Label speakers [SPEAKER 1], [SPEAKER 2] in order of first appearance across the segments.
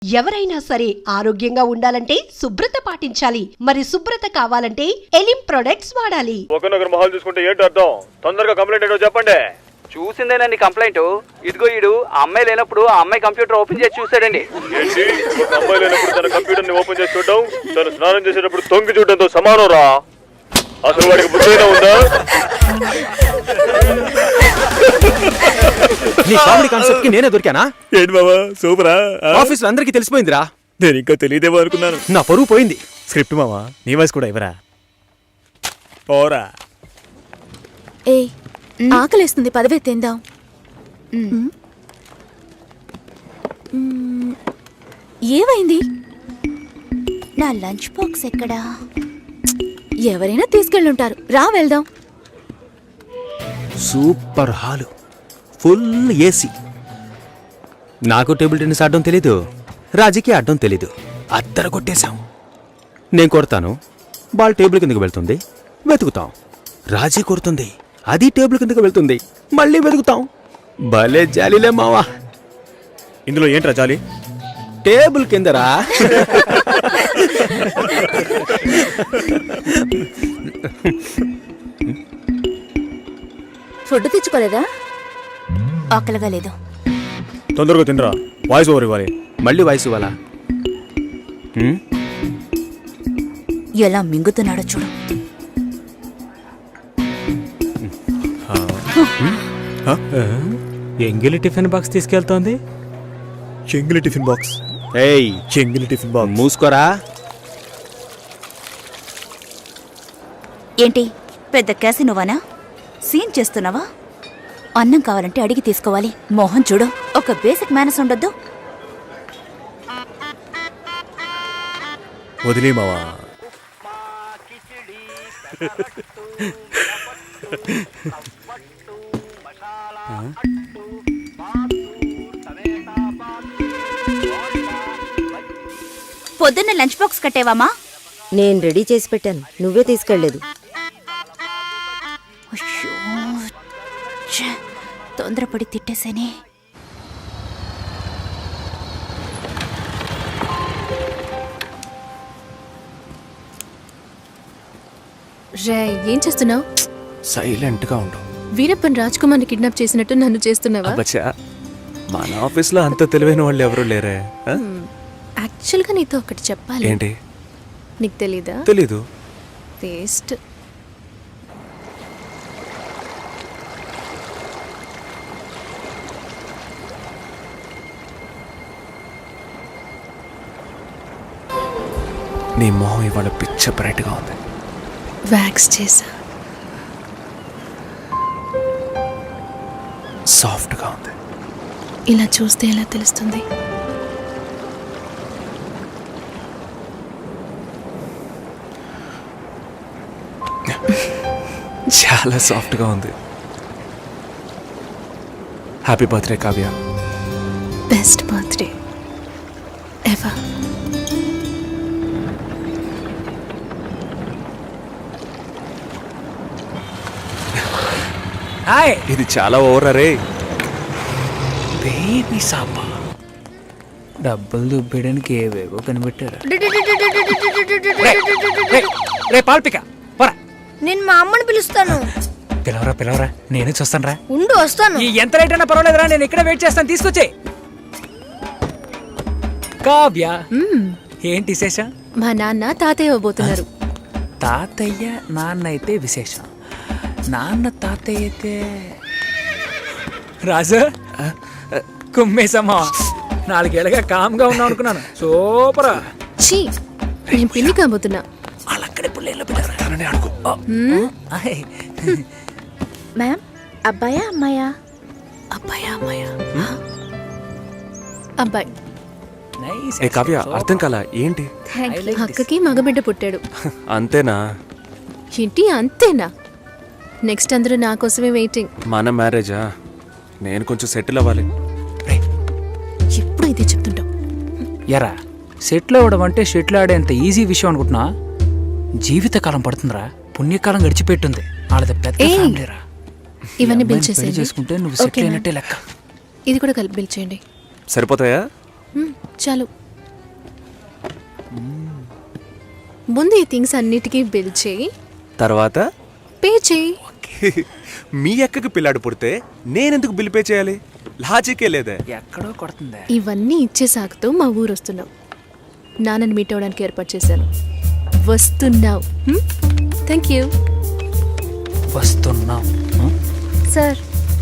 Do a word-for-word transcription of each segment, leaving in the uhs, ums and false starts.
[SPEAKER 1] ఎవరైనా సరే ఆరోగ్యంగా ఉండాలంటే శుభ్రత పాటించాలి. మరి శుభ్రత కావాలంటే ఎలిం ప్రొడక్ట్స్ వాడాలి.
[SPEAKER 2] ఒకనొకరు మొహాలు చూసుకుంటే ఏంటి అర్థం? తొందరగా కంప్లైంట్ ఏంటో చెప్పండి.
[SPEAKER 3] చూసిందేనండి కంప్లైంట్. ఇదిగో ఈడు ఆ అమ్మాయి లేనప్పుడు ఆ అమ్మాయి కంప్యూటర్ ఓపెన్ చేసి చూసాడండి.
[SPEAKER 2] ఏంటి ఒక అమ్మాయి లేనప్పుడు తన కంప్యూటర్ ని ఓపెన్ చేసి చూడడం తను స్నానం చేసేటప్పుడు తొంగి చూడడంతో సమానం రా. అసలు వాడికి బుద్ధైనా ఉందా?
[SPEAKER 4] నీ కామెడీ కాన్సెప్ట్ కి నేనే దొరికానా?
[SPEAKER 5] ఏంటి బాబా సూపరా?
[SPEAKER 4] ఆఫీస్ లో అందరికీ తెలిసిపోయిందిరా.
[SPEAKER 5] నేను ఇంకా తెలియదేమో అనుకున్నాను.
[SPEAKER 4] నా పరువు పోయింది.
[SPEAKER 5] స్క్రిప్ట్ మావా నీ వాయిస్ కూడా ఇవ్వరా? పోరా.
[SPEAKER 6] ఏ ఆకలేస్తుంది, పదవే తిందాం. ఏమైంది? నా లంచ్ బాక్స్ ఎక్కడా? ఎవరైనా తీసుకెళ్ళుంటారు, రా వెళ్దాం.
[SPEAKER 4] Super hall, full AC. నాకు టేబుల్ టెన్నిస్ ఆడడం తెలీదు, రాజీకి ఆడడం తెలీదు. అద్దర కొట్టేశాం. నేను కొడతాను, బాల్ టేబుల్ కిందకి వెళ్తుంది, వెతుకుతాం. రాజీ కొడుతుంది, అది టేబుల్ కిందకి వెళ్తుంది, మళ్ళీ వెతుకుతాం. భలే జాలీలే మావా.
[SPEAKER 5] ఇందులో ఏంట్రా జాలి?
[SPEAKER 4] టేబుల్ కిందరా.
[SPEAKER 6] ఫుడ్ తెచ్చుకోలేదా? ఆకలిగా లేదు.
[SPEAKER 5] తొందరగా తినరా, వాయిస్ ఓవర్ ఇవ్వాలి.
[SPEAKER 4] మళ్ళీ వాయిస్ ఇవ్వాలా?
[SPEAKER 6] ఎలా మింగుతున్నాడో చూడు.
[SPEAKER 7] ఎంగిలి టిఫిన్ బాక్స్ తీసుకెళ్తోంది.
[SPEAKER 5] చెంగిలి టిఫిన్ బాక్స్.
[SPEAKER 4] ఏయ్
[SPEAKER 5] చెంగిలి టిఫిన్ బాక్స్.
[SPEAKER 4] మూసుకోరా.
[SPEAKER 6] ఏంటి పెద్ద క్యాసినోవానా? సీన్ చేస్తున్నావా? అన్నం కావాలంటే అడిగి తీసుకోవాలి. మోహన్ చూడు, ఒక బేసిక్ మేనస్ ఉండొద్దు.
[SPEAKER 5] వదిలే మావా.
[SPEAKER 6] పొద్దున్న లంచ్ బాక్స్ కట్టేవామా?
[SPEAKER 8] నేను రెడీ చేసి పెట్టాను, నువ్వే తీసుకెళ్లేదు.
[SPEAKER 6] తొందరపడి తిట్టేసేనే.
[SPEAKER 9] రే, ఏం చేస్తున్నావు?
[SPEAKER 5] సైలెంట్ గా ఉండు.
[SPEAKER 9] వీరప్పన్ రాజ్ కుమార్ని కిడ్నాప్ చేసినట్టు నన్ను చేస్తున్నావా?
[SPEAKER 5] అబ్బచ్చా, మన ఆఫీస్ లో అంత తెలివైన వాళ్ళు ఎవరు లేరే.
[SPEAKER 9] యాక్చువల్గా నీతో ఒకటి చెప్పాలి.
[SPEAKER 5] ఏంటి?
[SPEAKER 9] నీకు తెలీదా?
[SPEAKER 5] తెలీదు.
[SPEAKER 9] వేస్ట్.
[SPEAKER 5] నీ మొహం ఇవాళ పిచ్చ బ్రైట్ గా ఉంది.
[SPEAKER 9] వ్యాక్స్ చేసా.
[SPEAKER 5] సాఫ్ట్ గా ఉంది.
[SPEAKER 9] ఇలా చూస్తే ఎలా తెలుస్తుంది?
[SPEAKER 5] చాలా సాఫ్ట్ గా ఉంది. Happy birthday Kavya.
[SPEAKER 9] Best birthday ever.
[SPEAKER 5] ఇది చాలా ఓవర్ రే. బేబీ సాపా
[SPEAKER 3] డబ్బులు దుబ్బేయడానికి ఏవేవో కనిపెట్టారు.
[SPEAKER 7] రే పాల్పిక పోరా.
[SPEAKER 8] నేను మా అమ్మని పిలుస్తాను.
[SPEAKER 7] పిలవరా పిలవరా, నేనే చూస్తాను రా.
[SPEAKER 8] ఉండు, వస్తాను.
[SPEAKER 7] ఈ ఎంత రేట్ అయినా పర్వాలేదురా, నేను ఇక్కడే వెయిట్ చేస్తాను, తీసుకొచ్చే. కావ్య, ఏంటి విశేషం?
[SPEAKER 9] మా నాన్న తాతయ్య ఇవ్వబోతున్నారు.
[SPEAKER 3] తాతయ్య నాన్న అయితే విశేషం, నాన్న తాతయ్య అయితే
[SPEAKER 7] రాజు కుమ్మేసమ్మా. నాలుగేళ్ళగా కామ్గా ఉన్నావు అనుకున్నాను. సూపరా.
[SPEAKER 9] చీ, నేను పిల్లి కాబోతున్నా.
[SPEAKER 3] వాళ్ళక్కడే పుల్లేళ్ళు పెట్టారని అడుగు.
[SPEAKER 6] మ్యామ్, అబ్బాయా అమ్మాయా?
[SPEAKER 9] అబ్బాయా అమ్మాయా? అబ్బాయి.
[SPEAKER 5] ఏ కావ్య, అర్థం కాల ఏంటి?
[SPEAKER 9] అక్కకి మగబిడ్డ పుట్టాడు.
[SPEAKER 5] అంతేనా?
[SPEAKER 9] ఏంటి అంతేనా? నెక్స్ట్ అందరూ నా కోసమే వెయిటింగ్.
[SPEAKER 5] మన మ్యారేజా? నేను కొంచెం సెటిల్ అవ్వాలి.
[SPEAKER 9] ఎప్పుడు ఇదే చెప్తుంటావు.
[SPEAKER 3] ఎరా, సెటిల్ అవ్వడం అంటే షెటిల్ ఆడేంత ఈజీ విషయం అనుకుంటున్నా? జీవితకాలం పడుతుందిరా, పుణ్యకాలం గడిచిపెట్టుంది. వాళ్ళది పెద్ద ఫ్యామిలీరా.
[SPEAKER 9] ఇవన్నీ బిల్ చేసేయండి.
[SPEAKER 3] చేసుకుంటే నువ్వు సెటిల్ అయినట్టే లెక్క.
[SPEAKER 9] ఇది కూడా కలిపి బిల్ చేయండి.
[SPEAKER 5] సరిపోతాయా?
[SPEAKER 9] చాలు. ముందు ఈ థింగ్స్ అన్నిటికీ బిల్ చేయి,
[SPEAKER 5] తర్వాత
[SPEAKER 9] పే చేయి.
[SPEAKER 5] మీ అక్కకి పిల్లాడు పుడితే నేనెందుకు బిల్ పే చేయాలి? లాజికే లేదే.
[SPEAKER 3] ఎక్కడో కొడుతుంది.
[SPEAKER 9] ఇవన్నీ ఇచ్చే సాకుతో మా ఊరు వస్తున్నావు. నాన్నని మీట్ అవడానికి ఏర్పాటు చేశాను. వస్తున్నావు. థ్యాంక్ యూ
[SPEAKER 3] వస్తున్నాం.
[SPEAKER 9] సార్.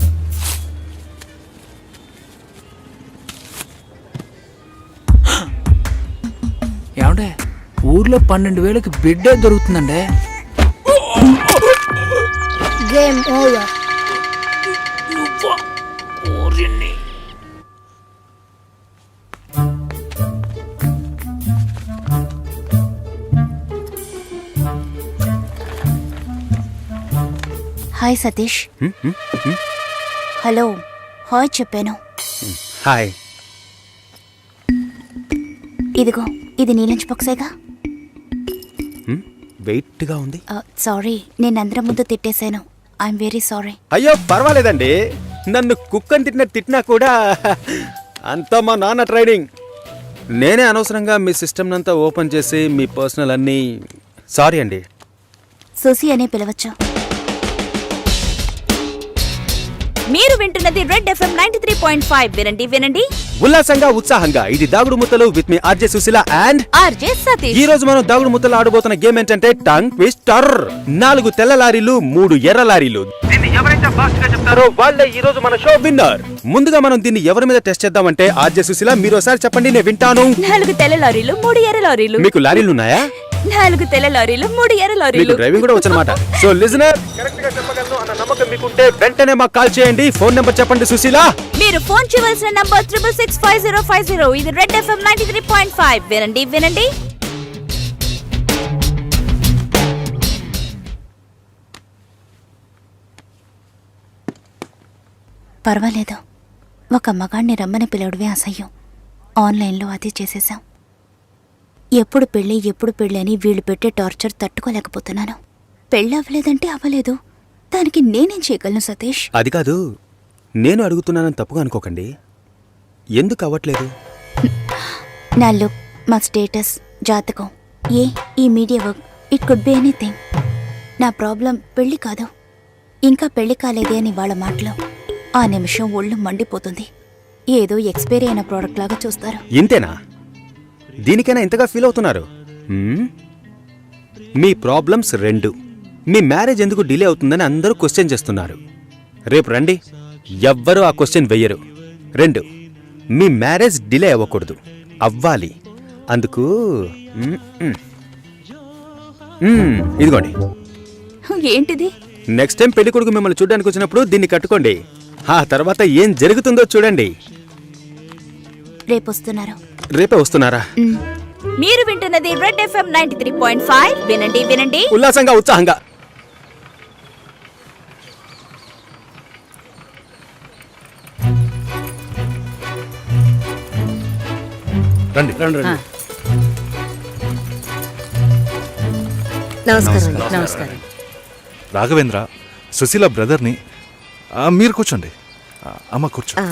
[SPEAKER 3] ఏమండే ఊర్లో పన్నెండు వేలకి బిడ్డే దొరుకుతుందండే.
[SPEAKER 8] Game over.
[SPEAKER 6] Hi Satish. Hello hi చెప్పాను.
[SPEAKER 4] హాయ్.
[SPEAKER 6] ఇదిగో ఇది నీ లంచ్ బాక్సేగా.
[SPEAKER 4] వెయిట్గా ఉంది.
[SPEAKER 6] సారీ, నేను అందరం ముందు తిట్టేశాను. I'm very sorry.
[SPEAKER 4] అయ్యో పర్వాలేదండి. నన్ను కుక్కని తిట్టిన తిట్టినా కూడా అంతా మా నాన్న ట్రైనింగ్. నేనే అనవసరంగా మీ సిస్టమ్ అంతా ఓపెన్ చేసి మీ పర్సనల్ అన్నీ. సారీ అండి.
[SPEAKER 6] సుసి అనే పిలవచ్చు. మీరు వింటున్నది Red FM ninety three point five. వినండి వినండి
[SPEAKER 4] ఉల్లాసంగా ఉత్సాహంగా. ఇది దాగుడు ముత్తలు విత్ మీ RJ Sushila and
[SPEAKER 6] RJ Satish.
[SPEAKER 4] ఈ రోజు మనం దాగుడు ముత్తలు ఆడబోతున్న గేమ్ ఏంటంటే టంగ్ ట్విస్టర్. నాలుగు తెల్ల లారీలు, మూడు ఎర్ర లారీలు. దీన్ని ఎవరైతే ఫాస్ట్ గా చెప్తారో వాళ్ళే ఈ రోజు మన షో విన్నర్. ముందుగా మనం దీన్ని ఎవరి మీద టెస్ట్ చేద్దామంటే ఆర్జే సుశీల మీరు ఒకసారి చెప్పండి, నేను వింటాను.
[SPEAKER 6] నాలుగు తెల్ల లారీలు, మూడు ఎర్ర లారీలు.
[SPEAKER 4] మీకు లారీలు ఉన్నాయా?
[SPEAKER 6] నాలుగు తెల్ల లారీలు, మూడు ఎర్ర
[SPEAKER 4] మీకు
[SPEAKER 6] లారీలు.
[SPEAKER 4] డ్రైవింగ్ కూడా వచ్చనమాట. సో లిజనర్ కరెక్ట్ గా చెప్పగలను అన్న నమ్మకం మీకుంటే వెంటనే మాకు కాల్ చేయండి. ఫోన్ నెంబర్ చెప్పండి సుశీల.
[SPEAKER 6] మీరు ఫోన్ చేయవలసిన number triple six five zero five zero. ఇది Red FM ninety three point five. వినండి వినండి పర్వాలేదు. ఒక మగాణ్ణి రమ్మని పిలవడమే అసహ్యం. ఆన్లైన్లో అది చేసేసాం. ఎప్పుడు పెళ్ళి ఎప్పుడు పెళ్ళి అని వీళ్ళు పెట్టే టార్చర్ తట్టుకోలేకపోతున్నాను. పెళ్ళి అవ్వలేదంటే అవ్వలేదు, దానికి నేనేం చేయగలను సతీష్?
[SPEAKER 4] అది కాదు, నేను అడుగుతున్నానని తప్పుగా అనుకోకండి. ఎందుకు అవ్వట్లేదు?
[SPEAKER 6] నా లుక్, మా స్టేటస్, జాతకం, ఏ ఈ media work, it could be anything. నా ప్రాబ్లం పెళ్లి కాదు, ఇంకా పెళ్లి కాలేదే అని వాళ్ళ మాటలు. ఆ నిమిషం ఒళ్ళు మండిపోతుంది. ఏదో ఎక్స్పైరీ అయిన ప్రోడక్ట్ లాగా చూస్తారు.
[SPEAKER 4] ఇంతేనా? దీనికైనా ఇంతగా ఫీల్ అవుతున్నారు? హ్మ్? మీ ప్రాబ్లమ్స్ రెండు. మీ మ్యారేజ్ ఎందుకు డిలే అవుతుందని అందరూ క్వశ్చన్ చేస్తున్నారు. రేపు రండి, ఎవ్వరూ ఆ క్వశ్చన్ వెయ్యరు. రెండు, మీ మ్యారేజ్ డిలే అవ్వకూడదు, అవ్వాలి. అందుకు మ్మ్, మ్మ్. మ్మ్, ఇదిగోండి.
[SPEAKER 6] ఏంటిది?
[SPEAKER 4] నెక్స్ట్ టైం పెళ్లి కొడుకు మిమ్మల్ని చూడడానికి వచ్చినప్పుడు దీన్ని కట్టుకోండి. ఆ తర్వాత ఏం జరుగుతుందో చూడండి.
[SPEAKER 6] రేపు వస్తున్నారు.
[SPEAKER 4] రేపే వస్తున్నారా?
[SPEAKER 6] మీరు వింటున్నది Red FM ninety three point five. వినండి వినండి
[SPEAKER 4] ఉల్లాసంగా ఉత్సాహంగా.
[SPEAKER 5] రండి రండి రండి.
[SPEAKER 8] నమస్కారం నమస్కారం.
[SPEAKER 5] రాఘవేంద్ర, సుశీల బ్రదర్ని. ఆ, మీరు కూర్చోండి. ఆ, అమ్మ కూర్చో.
[SPEAKER 8] ఆ,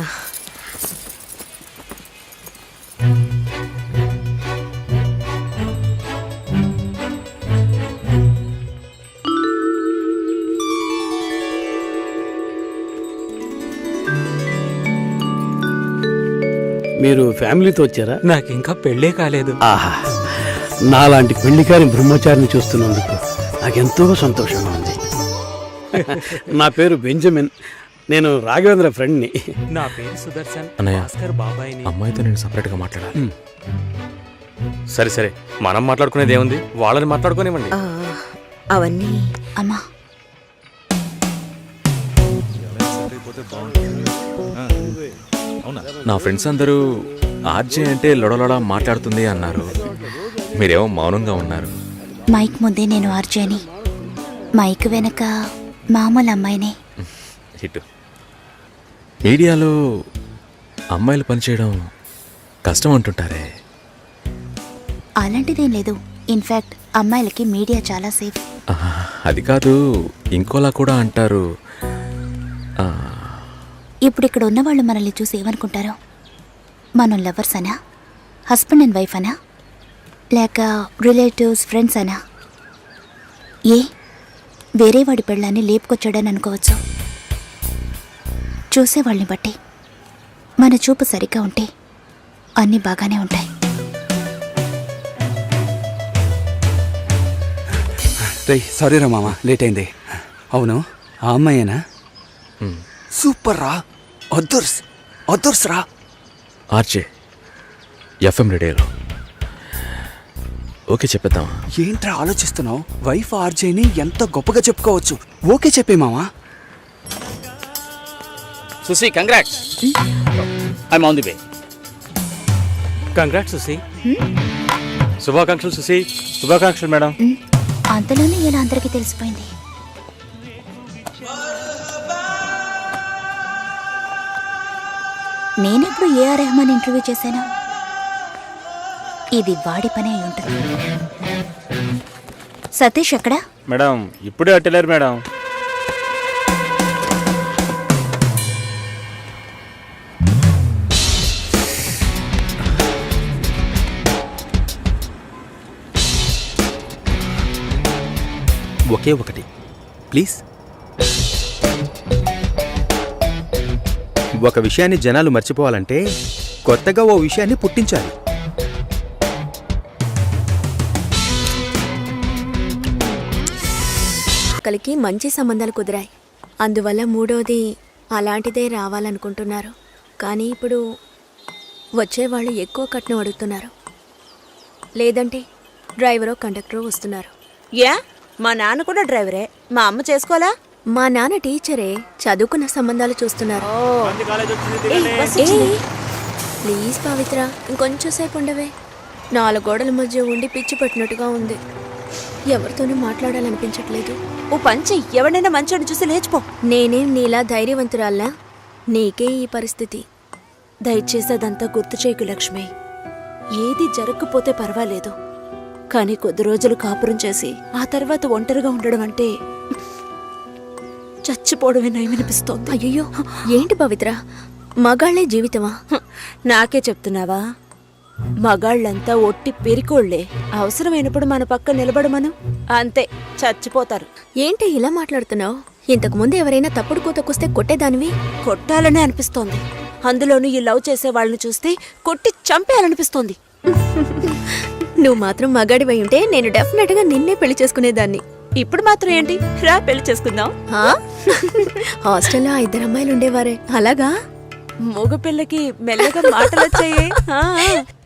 [SPEAKER 10] మీరు ఫ్యామిలీతో వచ్చారా?
[SPEAKER 3] నాకు ఇంకా పెళ్ళే కాలేదు.
[SPEAKER 10] ఆహా, నాలాంటి పెళ్లికారి బ్రహ్మచారిని చూస్తున్నందుకు నాకెంతో సంతోషంగా ఉంది. నా పేరు బెంజమిన్, నేను రాఘవేంద్ర ఫ్రెండ్ని.
[SPEAKER 3] నా పేరు సుదర్శన్.
[SPEAKER 5] అన్నయ్య,
[SPEAKER 3] భాస్కర్ బాబాయ్ని.
[SPEAKER 5] అమ్మాయితో నేను సపరేట్గా మాట్లాడాలి. సరే సరే, మనం మాట్లాడుకునేది ఏముంది, వాళ్ళని మాట్లాడుకోనివ్వండి.
[SPEAKER 8] ఆ, అవన్నీ
[SPEAKER 6] అమ్మా.
[SPEAKER 11] నా ఫ్రెండ్స్ అందరూ ఆర్జే అంటే లొడలొడ మాట్లాడుతుంది అన్నారు. మీరేమో మౌనంగా ఉన్నారు.
[SPEAKER 6] మైక్ ముందే నేను ఆర్జేని, మైక్ వెనక మామూలు అమ్మాయినే.
[SPEAKER 11] హిట్. మీడియాలో అమ్మాయిలు పనిచేయడం కష్టం అంటుంటారే.
[SPEAKER 6] అలాంటిదేం లేదు. ఇన్ఫ్యాక్ట్ అమ్మాయిలకి మీడియా చాలా సేఫ్.
[SPEAKER 11] ఆహా, అది కాదు, ఇంకోలా కూడా అంటారు. ఆ,
[SPEAKER 6] ఇప్పుడు ఇక్కడ ఉన్నవాళ్ళు మనల్ని చూసి ఏమనుకుంటారో? మనం లవర్స్ అనా, హస్బెండ్ అండ్ వైఫ్ అనా? లేక రిలేటివ్స్ ఫ్రెండ్స్ అనా? ఏ వేరే వాడి పెళ్ళాన్ని లేపుకొచ్చాడని అనుకోవచ్చు. చూసేవాళ్ళని బట్టి మన చూపు సరిగ్గా ఉంటే అన్నీ బాగానే ఉంటాయి.
[SPEAKER 10] రే సారీ రా మామ, లేట్ అయింది. అవును, ఆ అమ్మాయేనా? సూపర్ రా, అదుర్స్ అదుర్స్ రా.
[SPEAKER 11] ఆర్జే ఎఫ్ఎం రేడియోలో ఓకే చెప్పేద్దామా?
[SPEAKER 10] ఏంట్రా ఆలోచిస్తున్నావు? వైఫ్ ఆర్జేని ఎంత గొప్పగా చెప్పుకోవచ్చు. ఓకే చెప్పే మామా.
[SPEAKER 5] Susi congrats. I on the way. Congrats Susi. శుభాకాంక్షలు సుసి.
[SPEAKER 2] శుభాకాంక్షలు మేడం.
[SPEAKER 6] ఉమ్, అంతలోనే ఇలా అందరికీ తెలిసిపోయింది. నేనెప్పుడు ఏఆర్ రెహమాన్ ఇంటర్వ్యూ చేశాను? ఇది వాడి పని అయి ఉంటుంది. సతీష్ ఎక్కడా?
[SPEAKER 2] మేడం ఇప్పుడే అట్టలేరు మేడం.
[SPEAKER 4] ఒకే ఒకటి ప్లీజ్. ఒక విషయాన్ని జనాలు మర్చిపోవాలంటే కొత్తగా ఓ విషయాన్ని పుట్టించాలి.
[SPEAKER 9] ఒకరికి మంచి సంబంధాలు కుదిరాయి, అందువల్ల మూడోది అలాంటిదే రావాలనుకుంటున్నారు. కానీ ఇప్పుడు వచ్చేవాళ్ళు ఎక్కువ కట్నం అడుగుతున్నారు, లేదంటే డ్రైవరో కండక్టరో వస్తున్నారు.
[SPEAKER 8] యా, మా నాన్న కూడా డ్రైవరే. మా అమ్మ చేసుకోవాలా?
[SPEAKER 9] మా నాన్న టీచరే, చదువుకున్న సంబంధాలు చూస్తున్నారు. ప్లీజ్ పవిత్ర, ఇంకొంచెం సేపు ఉండవే. నాలుగు గోడల మధ్య ఉండి పిచ్చి పట్టినట్టుగా ఉంది. ఎవరితోనూ మాట్లాడాలనిపించట్లేదు.
[SPEAKER 8] ఓ పంచి, ఎవరినైనా మంచోడిని చూసి లేచిపో.
[SPEAKER 9] నేనేం నీలా ధైర్యవంతురాల్లా? నీకే ఈ పరిస్థితి.
[SPEAKER 8] దయచేసి అదంతా గుర్తు చేయకు లక్ష్మి. ఏది జరగకపోతే పర్వాలేదు, కానీ కొద్ది రోజులు కాపురం చేసి ఆ తర్వాత ఒంటరిగా ఉండడం అంటే చచ్చిపోవడమే నయమనిపిస్తోంది.
[SPEAKER 9] అయ్యో, ఏంటి పవిత్ర, మగాళ్లే జీవితమా?
[SPEAKER 8] హ, నాకే చెప్తున్నావా? మగాళ్ళంతా ఒట్టి పెరికోళ్లే. అవసరమైనప్పుడు మన పక్క నిలబడమను, అంతే చచ్చిపోతారు.
[SPEAKER 9] ఏంటి ఇలా మాట్లాడుతున్నావు? ఇంతకు ముందు ఎవరైనా తప్పుడు కూతకొస్తే కొట్టేదానివి.
[SPEAKER 8] కొట్టాలనే అనిపిస్తోంది. అందులోనూ ఈ లవ్ చేసే వాళ్ళని చూస్తే కొట్టి చంపేయాలనిపిస్తోంది.
[SPEAKER 9] నువ్వు మాత్రం మగాడివై ఉంటే నేను డెఫినెట్ గా నిన్నే పెళ్లి చేసుకునేదాన్ని.
[SPEAKER 8] ఇప్పుడు మాత్రం ఏంటి, రా పెళ్లి చేసుకుందాం.
[SPEAKER 9] ఆ? హాస్టల్లో ఆ ఇద్దరు అమ్మాయిలు ఉండేవారే, అలాగా?
[SPEAKER 8] మగ పిల్లకి మెల్లగా మాటలు వచ్చాయే.